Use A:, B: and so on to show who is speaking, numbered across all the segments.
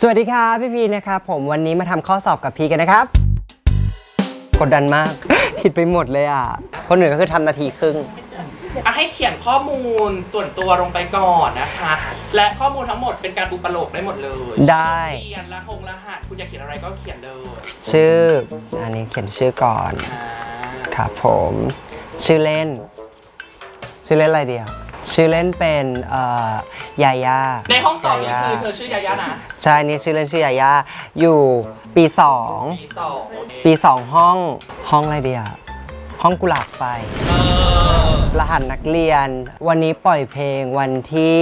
A: สวัสดีครับพี่พีนะครับผมวันนี้มาทำข้อสอบกับพีกันนะครับกดดันมาก ผิดไปหมดเลยอ่ะคนอื่นก็คือทำนาทีครึ่ง
B: ให้เขียนข้อมูลส่วนตัวลงไปก่อนนะคะและข้อมูลทั้งหมดเป็นการอุปโลกได้หมดเลย
A: ได้
B: เขียนรหัสคุณอยากเขียนอะไรก็เขียนเลย
A: ชื่ออันนี้เขียนชื่อก่อนครับผมชื่อเล่นอะไรเดียวชื่อเล่นเป็นยาย่า
B: ในห้องสอบนี่คือเธอชื่อยาย่านะ
A: ใช่นี่ชื่อเล่นชื่อยาย่าอยู่ปี2ปี2ห้องอะไรเดียวห้องกุหลาบไฟรหัสนักเรียนวันนี้ปล่อยเพลงวันที่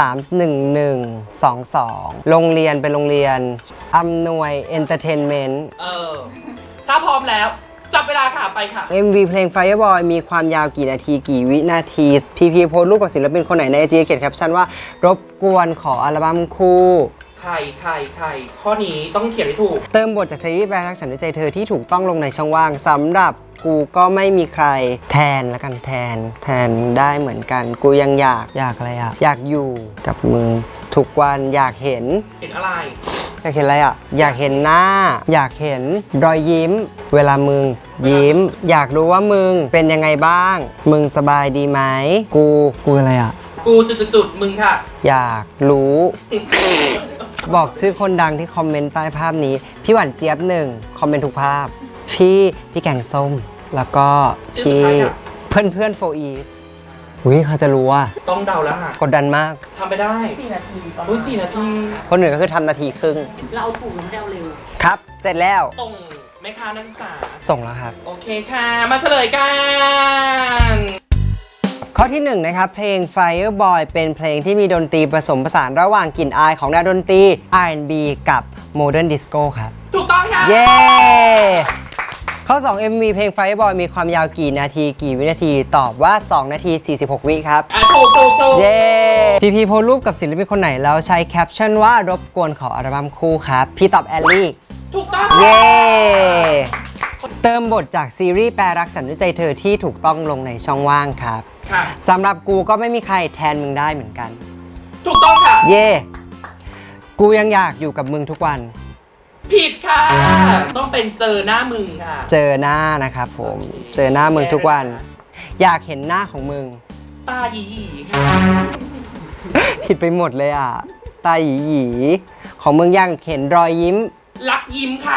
A: 31122โรงเรียนเป็นโรงเรียนอำนวยเอนเตอร์เทนเมนต์
B: ถ้าพร้อมแล้วจับเวลาค่ะไปค่ะ
A: MV เพลง Fireboy มีความยาวกี่นาทีกี่วินาทีพีโพสรูปกับศิลปินคนไหนใน IG เขียนแคปชั่นว่ารบกวนขออัลบั้มคู่
B: ใครข้อนี้ต้องเขียนให้ถูก
A: เติมบทจากซีรีส์แบรักฉันด้วยใจเธอที่ถูกต้องลงในช่องว่างสำหรับกูก็ไม่มีใครแทนละกันแทนได้เหมือนกันกูยังอยากอะไรอะอยากอยู่กับมึงทุกวันอยากเห็น
B: อะไร
A: อยากเห็นอะไรอ่ะอยากเห็นหน้าอยากเห็นรอยยิ้มเวลามึงยิ้มอยากรู้ว่ามึงเป็นยังไงบ้างมึงสบายดีไหมกูอะไรอ่ะ
B: กูจุดมึงค่ะ
A: อยากรู้ บอกชื่อคนดังที่คอมเมนต์ใต้ภาพนี้พี่หวานเจี๊ยบ1คอมเมนต์ทุกภาพพี่แกงส้มแล้วก็พี่เพื่อนโฟอีอุ้ยเขาจะรู้ว่า
B: ต้องเดาแล้วค่ะ
A: กดดันมาก
B: ทำไปได้4 นาที4 นาที
A: คนอื่นก็คือทำนาทีครึ่ง
C: เราเอาถูกหรือเดาเร็ว
A: ครับเสร็จแล้ว
B: ส่งไหมคะนักศึกษา
A: ส่งแล้วครับ
B: โอเคค่ะมาเฉลยกัน
A: ข้อที่1นะครับเพลง Fireboy เป็นเพลงที่มีดนตรีผสมผสานระหว่างกลิ่นอายของแนวดนตรี R&B กับ Modern Disco ครับ
B: ถูกต้องค่ะ
A: เย้ข้อ2 MV เพลง Fireboy มีความยาวกี่นาทีกี่วินาทีตอบว่า2นาที46วิครับ
B: ถูก
A: เย้พีโพสรูปกับศิลปินคนไหนแล้วใช้แคปชั่นว่ารบกวนขออัลบั้มคู่ครับพี่ตอบแอลลี่
B: ถูกต้อง
A: เย้เติมบทจากซีรีส์แปรรักฉันด้วยใจเธอที่ถูกต้องลงในช่องว่างครับสำหรับกูก็ไม่มีใครแทนมึงได้เหมือนกัน
B: ถูกต้องค่ะ
A: เย่กูยังอยากอยู่กับมึงทุกวัน
B: ผิดค่ะต้องเป็นเจอหน้ามึงค่ะ
A: เจอหน้านะครับผมเจอหน้ามึงทุกวันอยากเห็นหน้าของมึง
B: ตาหยีค่ะ
A: ผิดไปหมดเลยอ่ะตาหยีของมึงอยากเห็นรอยยิ้ม
B: รักยิ้มค่ะ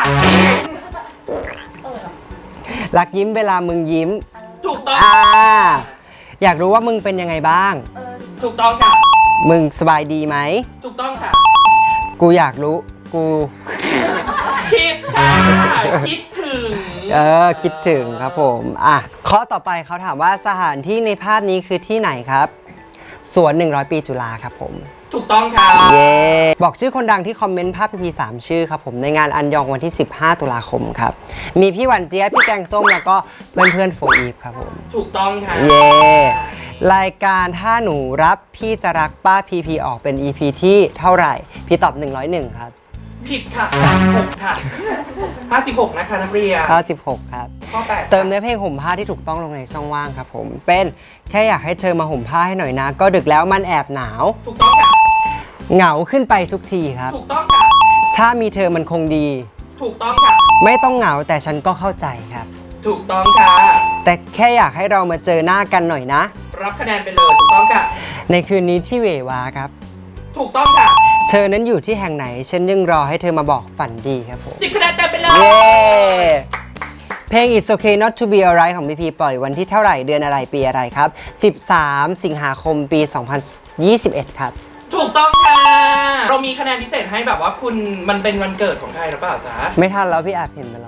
A: รักยิ้มเวลามึงยิ้ม
B: ถูกต้อง
A: อยากรู้ว่ามึงเป็นยังไงบ้าง
B: ถูกต้องค่ะ
A: มึงสบายดีไหม
B: ถูกต้องค่ะ
A: กูอยากรู้กู
B: คิดคิดถึง
A: คิดถึงครับผมข้อต่อไปเขาถามว่าสถานที่ในภาพนี้คือที่ไหนครับสวน100ปีจุฬาครับผม
B: ถูกต้องค่ะ
A: เย้บอกชื่อคนดังที่คอมเมนต์ภาพพี3ชื่อครับผมในงานอันยองวันที่15ตุลาคมครับมีพี่หวานเจี๊ยบพี่แกงส้มแล้วก็เพื่อนโฟอีฟครับผม
B: ถูกต้องค่ะ
A: เย้รายการถ้าหนูรับพี่จะรักป้าพีออกเป็น EP ที่เท่าไหร่พี่ตอบ101ครับ
B: ผิดค่ะ6ค่ะ56นะคะนักเรียน
A: 56ครับ
B: ข้อ8
A: เติมเนื้อเพลงห่มผ้าที่ถูกต้องลงในช่องว่างครับผมเป็นแค่อยากให้เธอมาห่มผ้าให้หน่อยนะก็ดึกแล้วมันแอบหนาว
B: ถูกต้องค่ะ
A: เหงาขึ้นไปทุกทีครับ
B: ถูกต้องค่ะ
A: ถ้ามีเธอมันคงดี
B: ถูกต้องค่ะ
A: ไม่ต้องเหงาแต่ฉันก็เข้าใจครับ
B: ถูกต้องค่ะ
A: แต่แค่อยากให้เรามาเจอหน้ากันหน่อยนะ
B: รับคะแนนไปเลยถูกต้องค่ะ
A: ในคืนนี้ที่เววาครับ
B: ถูกต้องค่ะ
A: เธอนั้นอยู่ที่แห่งไหนฉันยังรอให้เธอมาบอกฝันดีครับผม
B: 10 คะแนนเต็มไปเลย
A: เย้เพลง It's Okay Not to Be Alright ของพีปล่อยวันที่เท่าไหร่เดือนอะไรปีอะไรครับ13 สิงหาคมปี 2021 ครับ
B: ถูกต้องค่ะเรามีคะแนนพิเศษให้แบบว่าคุณมันเป็นวันเกิดของใครหรือเปล่าจ๊ะ
A: ไม่ทันแล้วพี่อาจเห็นไปแล้ว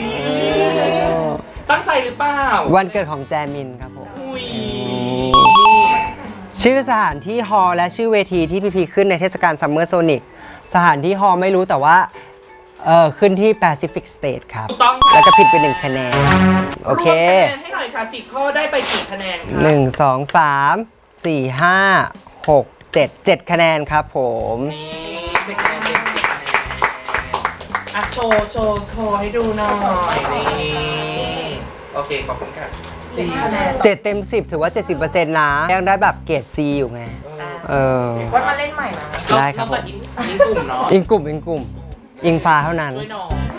B: ตั้งใจหรือเปล่า
A: วันเกิดของแจมินครับผมชื่อสถานที่ฮอลและชื่อเวทีที่พีขึ้นในเทศกาลซัมเมอร์โซนิกสถานที่ฮอลไม่รู้แต่ว่าขึ้นที่ Pacific State ครับ
B: ถูกต้องค่ะ
A: แล้วก็ผิดไป1คะแนนโอเค
B: ให้หน่อยค่ะ10 ข้อได้ไปกี่คะแนนคะ
A: 1 2 3 4 5 6 7 คะแนนครับผม
B: โชว์ให้ดูหน่อยนี่โอเคขอบคุณค่ะ
A: 7 เต็ม 10ถือว่า 70% นะยังได้แบบเกรด C อยู่ไงเออ
C: ว่ามาเล่นใหม่นะ
A: ได้ครับ
B: เาเปิดอินกลุ่มเนาะ
A: อิงกลุ่มอิงฟ้าเท่านั้น
B: ด้วยน้อง